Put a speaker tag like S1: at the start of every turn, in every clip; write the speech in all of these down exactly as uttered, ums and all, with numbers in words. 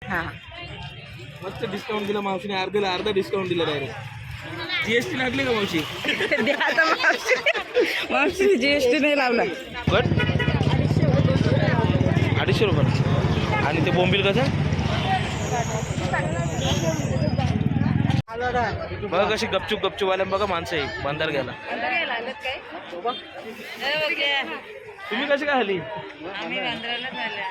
S1: हां
S2: मस्त डिस्काउंट दिला मावशीने, अर्ध्याला अर्धा डिस्काउंट दिला डायरेक्ट. जीएसटी लागली का मावशी?
S1: द्या आता मावशी. मावशी जीएसटी नाही लावला.
S2: बट अडीचशे रुपये. आणि ते बोंबील कसं? बघा कशी गपचूप गपचूप आल्या बघा माणसं आहे बंदर घ्यायला. तुम्ही कशी काय आली?
S1: आम्ही बांद्राला झाल्या.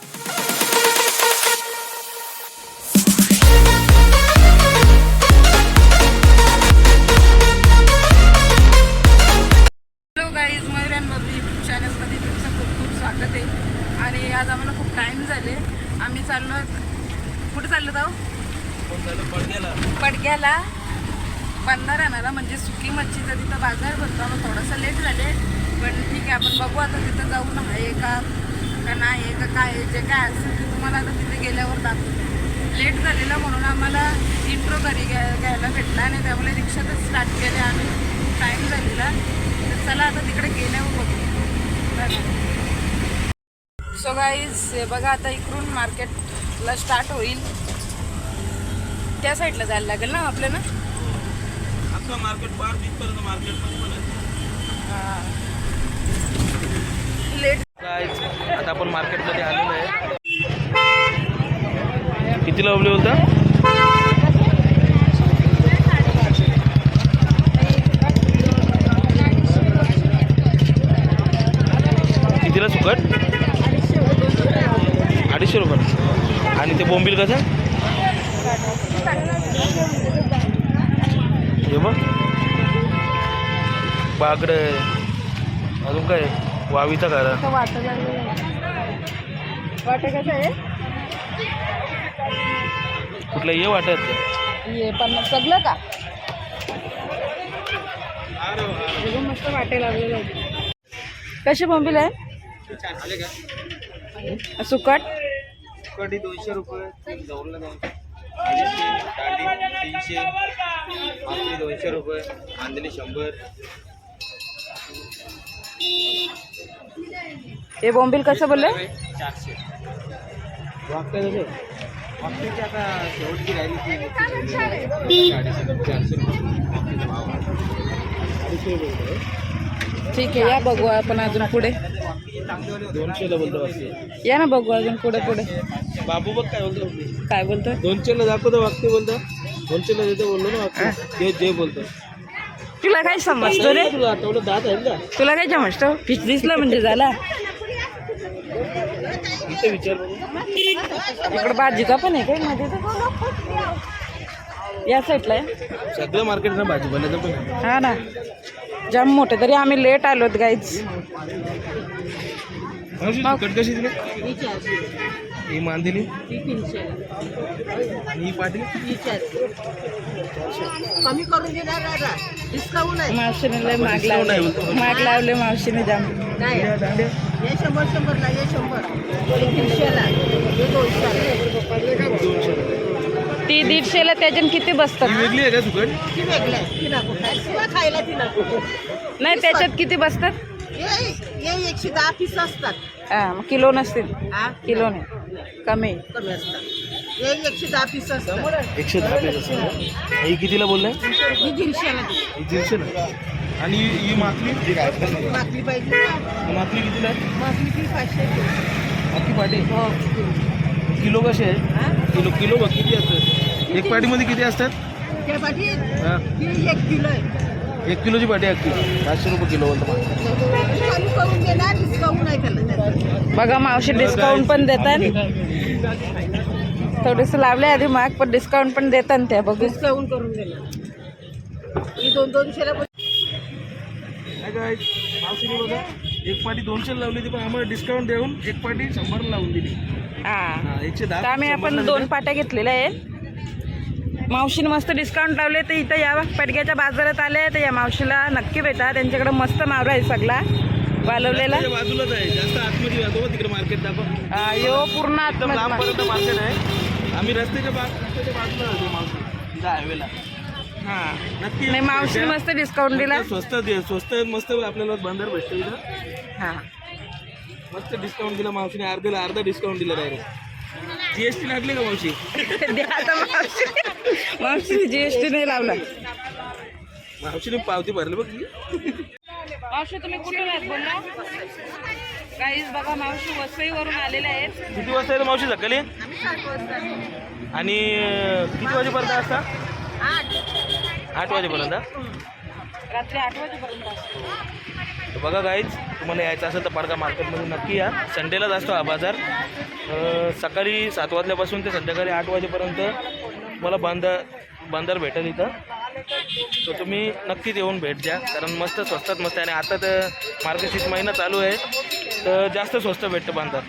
S1: हॅलो गाईज, मयुरांवरती यूट्यूब चॅनलमध्ये तुमचं खूप खूप स्वागत आहे. आणि आज आम्हाला खूप टाईम झाले. आम्ही चाललो, कुठे चाललो जाऊ?
S2: पडग्याला
S1: पडग्याला बंदर आणायला, म्हणजे सुकी मच्छीचा तिथं बाजार भरतो. आम्हाला थोडंसं लेट झाले, पण ठीक आहे, आपण बघू आता तिथं जाऊन आहे का का नाही आहे का काय आहे. जे काय असेल ते तुम्हाला आता तिथे गेल्यावर दाखवतो. लेट झालेलं म्हणून आम्हाला इंट्रो घरी घ्या घ्यायला भेटला आणि त्यामुळे रिक्षातच स्टार्ट केले आम्ही. टाईम झालेला, तर चला आता तिकडे गेल्यावर बघू. सो गाईज, हे बघा आता इकडून मार्केटला स्टार्ट होईल. त्या साईडला जायला लागेल ना आपल्याला.
S2: अख्खा मार्केट पार तिथपर्यंत मार्केटमध्ये पण आहे.
S1: लेट
S2: गाईज, आता आपण मार्केटमध्ये आलेलो आहे. किती लावले होता? कितीला सुकट? अडीचशे रुपये. आणि ते बोंबील कसं? हे बघ, बागड, अजून काय वावीचा घरा.
S1: वाट वाट कसं आहे?
S2: कुठलं ये वाटत
S1: ये पण सगळं का मस्त वाटे लागलेलं आहे. कसे बोंबील आहे? सुकट
S2: कढी दोनशे रुपये, जवळला दोनशे, अडीचशे, दांडी तीनशे, मासळी दोनशे रुपये, मांदेली शंभर.
S1: हे बोंबील कसं बोलले?
S2: चारशे. वागता कसं? वागताची आता शेवटची राहिली ती अडीचशे चारशे रुपये. अडीचशे रुपये.
S1: ठीक आहे, या बघू आपण अजून पुढे.
S2: दोनशेला बोलतो वागते.
S1: या ना बघू अजून पुढे पुढे.
S2: बाबू बघ काय बोलतो.
S1: काय बोलतोय?
S2: दोनशेला दाखवतो वागते बोलतो. दोनशेला देतो बोललो ना वागते. ते जे बोलतो.
S1: तुला काय समजतो रे?
S2: तुला आठवलं दात आहे का?
S1: तुला काय समजतो? फिश दिसला म्हणजे झाला.
S2: इथे विचार.
S1: इकडे भाजीचा पण आहे काय मध्ये? या साईडला आहे
S2: सगळं मार्केट ना भाजीपाल्याचं पण.
S1: हा ना, जाम मोठे. तरी आम्ही लेट आलोत गाईज.
S2: कट कशी दिली? ही मांदिली आणि ही पाटी
S3: कमी करून देणार दादा, डिस्काउंट आहे.
S1: मावशीने लय माग लावले, माग लावले मावशीने जाम.
S3: नाही, हे शंभर शंभरला, हे शंभर, हे दीडशेला, हे दोनशेला.
S1: ती दीडशेला. त्याच्यान किती बसतात?
S2: ही वेगळी आहे का सुकट?
S3: ती वेगळं आहे, ती नको शिवाय खायला ती नको.
S1: नाही, त्याच्यात किती बसतात?
S3: हे हे एकशे दहा पीस असतात.
S1: हा, मग किलो नसतील.
S3: हा,
S1: किलो नाही, कमी.
S3: कमी असतात. हे एकशे दहा पीस असतात.
S2: एकशे दहा पेज असं. ही कितीला बोललाय?
S3: ही दीडशेला दे.
S2: ही दीडशेला. आणि ही माकली
S3: मागली पाहिजे ना.
S2: माकली कितीला आहे?
S3: मागली ती पाचशे.
S2: माकली पाटी
S3: हो.
S2: किलो कसे आहे?
S3: हा?
S2: किलो किलो बघ किती असतात? एक पाटीमध्ये किती असतात?
S3: त्या पाठी
S2: हां,
S3: ही एक किलो आहे.
S2: एक किलोची पाटी अख्खी पाचशे रुपये किलो बोलतो.
S3: कमी करून देणार, डिस्काउंट नाही त्याला त्याचं.
S1: बघा मावशी डिस्काउंट पण देतात. थोडेसे लावले आधी माग, पण डिस्काउंट पण देतात त्या. बघू,
S3: डिस्काउंट करून देणार. ही दोन दोनशेला
S2: काय मावशीने बघा एक पाटी दोनशे लावली होती, पण आम्हाला डिस्काउंट देऊन एक पाटी शंभरला लावून दिली.
S1: हा.
S2: हां, एकशे
S1: तर
S2: दहा.
S1: आम्ही आपण दोन पाट्या घेतलेल्या आहे. मावशीने मस्त डिस्काउंट लावले, तर इथं या पडग्याच्या बाजारात आले तर या मावशीला नक्की भेटा. त्यांच्याकडे मस्त मावरा आहे सगळा वालवलेला.
S2: बाजूलाच आहे, जास्त आतमध्ये जातो तिकडे मार्केट दाखव.
S1: हा, यो पूर्ण
S2: एकदम
S1: आतमध्ये.
S2: लांबपर्यंत मार्केट आहे. आम्ही रस्त्याच्या बाग रस्त्याच्या बाजूला होतो मावशी, तिथं हायवेला.
S1: हा,
S2: नक्की
S1: नाही मावशीने मस्त डिस्काउंट दिला.
S2: स्वस्त दे- स्वस्त मस्त आपल्याला बंदर भेटतो इथं.
S1: हा,
S2: मस्त डिस्काउंट दिला मावशीने, अर्ध्याला अर्धा डिस्काउंट दिला डायरेक्ट. जीएसटी लागली का मावशी?
S1: द्या आता मावशी मावशी जीएसटी नाही लावला.
S2: मावशीने पावती भरली बघ.
S1: मावशी तुम्ही कुठून आहेत बोलला? काहीच बघा मावशी वसईवरून आलेल्या आहेत.
S2: किती वाजता येतं मावशी सकाळी?
S3: आम्ही सात वाजता.
S2: आणि किती वाजेपर्यंत असता?
S3: आठ
S2: आठ वाजेपर्यंत.
S1: रात्री आठ वाजेपर्यंत असतो.
S2: तर बघा गाईज, तुम्हाला यायचं असेल तर पाडका मार्केटमध्ये नक्की या. संडेलाच असतो हा बाजार. अं, सकाळी सात वाजल्यापासून ते संध्याकाळी आठ वाजेपर्यंत तुम्हाला बांधार बांधार भेटेल इथं. तर तुम्ही नक्कीच येऊन भेट द्या, कारण मस्त स्वस्तात मस्त आहे. आणि आता तर मार्गशीर्ष महिना चालू आहे तर जास्त स्वस्त भेटतं बांधार.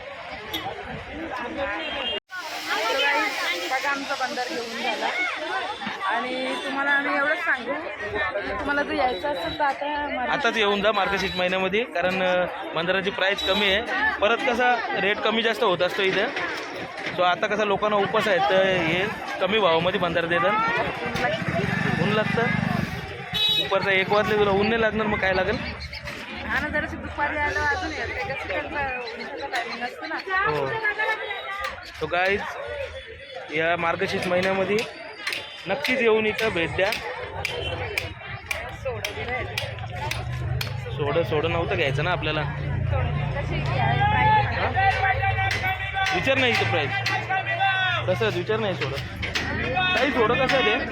S1: बघा आमचा बंदर घेऊन झाला. आणि तुम्हाला आम्ही एवढंच सांगू, तुम्हाला जर यायचं असेल तर आता
S2: आताच येऊन जा मार्गशीर्ष महिन्यामध्ये, कारण अं, बंदराची प्राईस कमी आहे. परत कसा रेट कमी जास्त होत असतो इथं. सो आता कसं लोकांना उपास आहेत तर हे कमी भावामध्ये बंदर देतात. ऊन लागतं दुपारचा एक वाजले, तुला ऊन नाही लागणार मग काय लागेल?
S1: हा ना, जराशी दुपारी आलं अजून येत टायमिंग असतं ना.
S2: हो. तो गाईज या मार्गशीर्ष महिन्यामध्ये नक्कीच येऊन इथं भेट द्या. सोडं सोडं नव्हतं घ्यायचं ना आपल्याला. विचार नाही इथं प्राईस कसं विचार नाही. सोडं काही सोडं कसं ते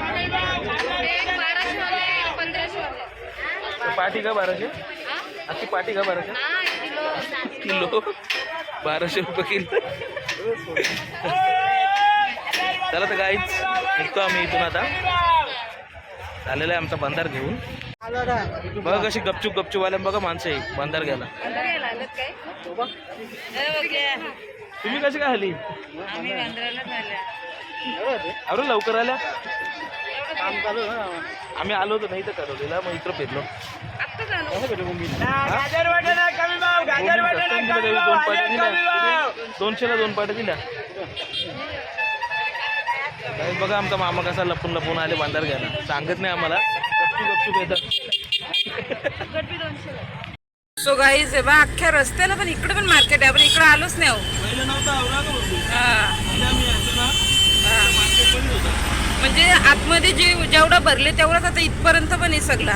S2: पाठी का बाराशे? अशी पाठी का बाराशे किलो? बाराशे रुपये किलो. चला तर काहीच निघतो आम्ही इथून आता. झालेला आहे आमचा बंधार घेऊन. बघा कशी गपचूप गपचूप आल्या बघा माणसं आहे बंधार घ्यायला. तुम्ही कशी काय आली?
S1: आम्ही बंदराला झाल्या.
S2: अरे लवकर आल्या. आम्ही आलो होतो नाही तर ठरवलेला, मग इकडं फिरलो.
S1: आत्ता झालं.
S2: दोन पाट्या दिल्या, दोनशेला दोन पाट्या दिल्या. बघा आमचा मामा कसा लपून लपून आले बांधार घ्यायला, सांगत नाही आम्हाला. गपचूप गपचूप येतात.
S1: सो गाईज आहे बा, अख्ख्या रस्त्याला पण इकडे पण मार्केट आहे. आपण इकडे आलोच नाही. म्हणजे आतमध्ये जे जेवढं भरले तेवढंच आता इथपर्यंत पण आहे सगळा.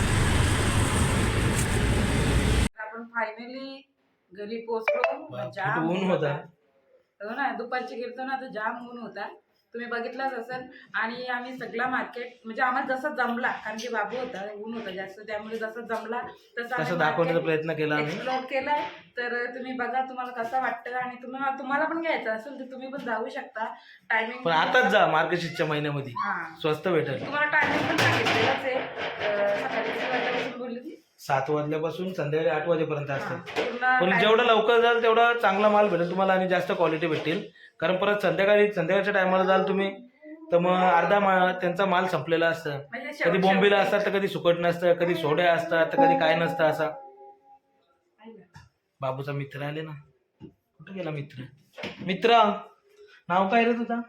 S1: आपण फायनली घरी पोहोचलो. जाम
S2: ऊन होता.
S1: हो ना, दुपारची गेलतो ना तर जाम ऊन होता. तुम्ही बघितलाच असेल. आणि आम्ही सगळा मार्केट म्हणजे आम्हाला जसं जमला, कारण की बाबू होता, ऊन होता जास्त, त्यामुळे जसं जमला
S2: तसं दाखवण्याचा प्रयत्न केला आम्ही.
S1: एक्सप्लोर केलाय. तर तुम्ही बघा तुम्हाला कसं वाटतं. आणि तुम्हाला तुम्हाला पण घ्यायचं असेल तर तुम्ही पण जाऊ शकता. टायमिंग
S2: पण आताच जा मार्गशीर्षच्या महिन्यामध्ये, स्वस्त भेटेल.
S1: तुम्हाला टायमिंग पण सांगितलेलंच आहे. अं, सकाळी किती वाजल्यापासून बोलली ती?
S2: सात वाजल्यापासून संध्याकाळी आठ वाजेपर्यंत असतं.
S1: पूर्ण
S2: पण जेवढं लवकर जाल तेवढा चांगला माल भेटेल तुम्हाला आणि जास्त क्वालिटी भेटेल. कारण परत संध्याकाळी संध्याकाळच्या टायमाला जाल तुम्ही तर मग अर्धा मा त्यांचा माल संपलेला असतं.
S1: म्हणजे
S2: कधी बोंबीला असतात तर कधी सुकट नसतं, कधी सोड्या असतात तर कधी काय नसतं. असा बाबूचा मित्र आले ना. कुठं गेला मित्र? मित्र नाव काय रे तुझा?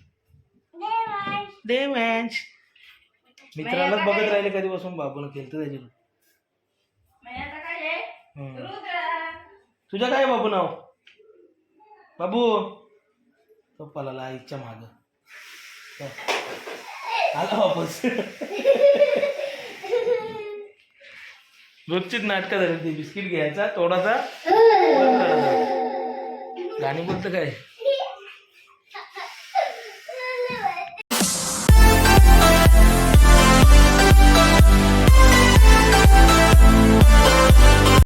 S2: देवांश. मित्रालाच बघत राहिले कधीपासून बाबून केलं त्याच्यावर. तुझं काय बाबू नाव? बाबू पप्पाला आईच्या माग आला वापस. रोजचीच नाटकं झाली ती. बिस्किट घ्यायचा थोडासा, गाणी बोलतं काय.